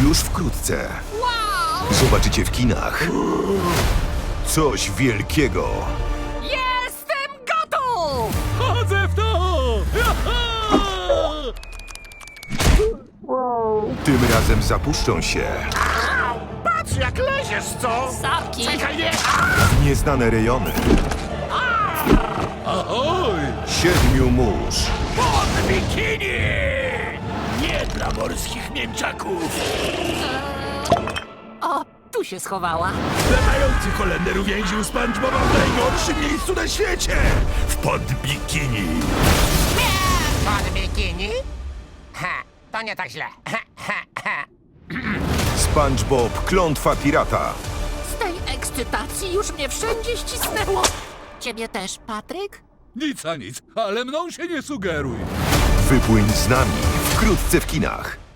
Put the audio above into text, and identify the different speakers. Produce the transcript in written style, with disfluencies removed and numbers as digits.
Speaker 1: Już wkrótce
Speaker 2: Wow!
Speaker 1: zobaczycie w kinach coś wielkiego.
Speaker 2: Jestem gotów!
Speaker 3: Chodzę w to!
Speaker 1: Tym razem zapuszczą się
Speaker 4: Patrz jak leziesz, co?
Speaker 2: Sapki!
Speaker 4: Czekaj, nie!
Speaker 1: w nieznane rejony
Speaker 3: Ahoj!
Speaker 1: 7 mórz.
Speaker 4: Pod bikini! Nie dla morskich mięczaków!
Speaker 2: O, tu się schowała.
Speaker 4: Latający Holender uwięził SpongeBoba w najgorszym miejscu na świecie! W podbikini!
Speaker 5: Pod bikini? Ha, to nie tak źle. Ha, ha, ha.
Speaker 1: SpongeBob, klątwa pirata.
Speaker 2: Z tej ekscytacji już mnie wszędzie ścisnęło. Ciebie też, Patryk?
Speaker 3: Nic a nic, ale mną się nie sugeruj.
Speaker 1: Wypłyń z nami wkrótce w kinach.